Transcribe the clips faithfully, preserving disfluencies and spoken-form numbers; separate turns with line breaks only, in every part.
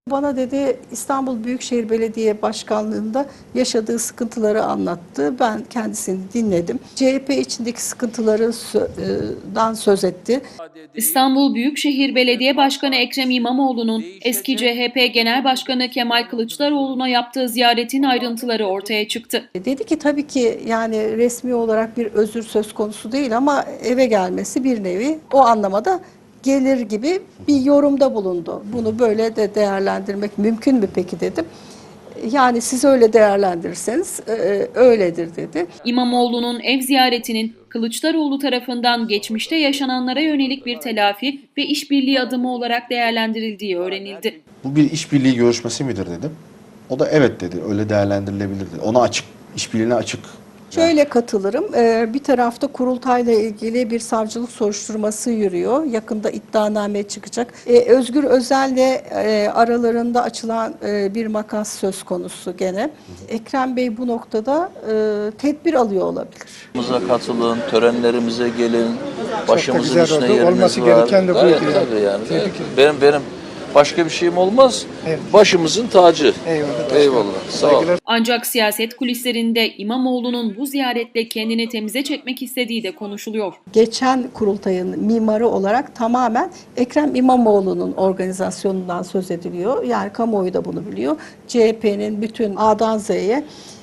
Bana dedi İstanbul Büyükşehir Belediye Başkanlığı'nda yaşadığı sıkıntıları anlattı. Ben kendisini dinledim. C H P içindeki sıkıntılarından söz etti.
İstanbul Büyükşehir Belediye Başkanı Ekrem İmamoğlu'nun eski C H P Genel Başkanı Kemal Kılıçdaroğlu'na yaptığı ziyaretin ayrıntıları ortaya çıktı.
Dedi ki tabii ki yani resmi olarak bir özür söz konusu değil ama eve gelmesi bir nevi o anlamada gelir gibi bir yorumda bulundu. Bunu böyle de değerlendirmek mümkün mü peki dedim. Yani siz öyle değerlendirirseniz öyledir dedi.
İmamoğlu'nun ev ziyaretinin Kılıçdaroğlu tarafından geçmişte yaşananlara yönelik bir telafi ve işbirliği adımı olarak değerlendirildiği öğrenildi.
Bu bir işbirliği görüşmesi midir dedim. O da evet dedi, öyle değerlendirilebilir dedi. Ona açık, işbirliğine açık.
Şöyle katılırım. Bir tarafta kurultayla ilgili bir savcılık soruşturması yürüyor. Yakında iddianame çıkacak. Özgür Özel'le aralarında açılan bir makas söz konusu gene. Ekrem Bey bu noktada tedbir alıyor olabilir.
Katılın, törenlerimize gelin, başımızın üstüne yeriniz
olması
var.
gereken de bu.
Gayet tabii yani. Benim benim başka bir şeyim olmaz. Evet. Başımızın tacı.
Eyvallah.
Eyvallah. Sağ ol.
Ancak siyaset kulislerinde İmamoğlu'nun bu ziyaretle kendini temize çekmek istediği de konuşuluyor.
Geçen kurultayın mimarı olarak tamamen Ekrem İmamoğlu'nun organizasyonundan söz ediliyor. Yani kamuoyu da bunu biliyor. C H P'nin bütün A'dan Z'ye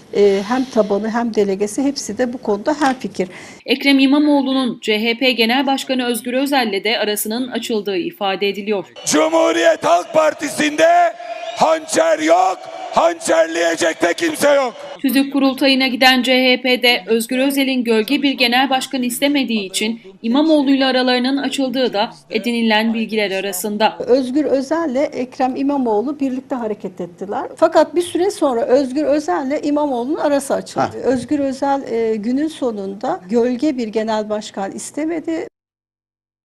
hem tabanı hem delegesi hepsi de bu konuda hemfikir.
Ekrem İmamoğlu'nun C H P Genel Başkanı Özgür Özel'le de arasının açıldığı ifade ediliyor.
Cumhuriyet Halk Partisi'nde hançer yok, hançerleyecek de kimse yok.
Tüzük kurultayına giden C H P'de Özgür Özel'in gölge bir genel başkan istemediği için İmamoğlu'yla aralarının açıldığı da edinilen bilgiler arasında.
Özgür Özel'le Ekrem İmamoğlu birlikte hareket ettiler. Fakat bir süre sonra Özgür Özel'le İmamoğlu'nun arası açıldı. Ha. Özgür Özel e, günün sonunda gölge bir genel başkan istemedi.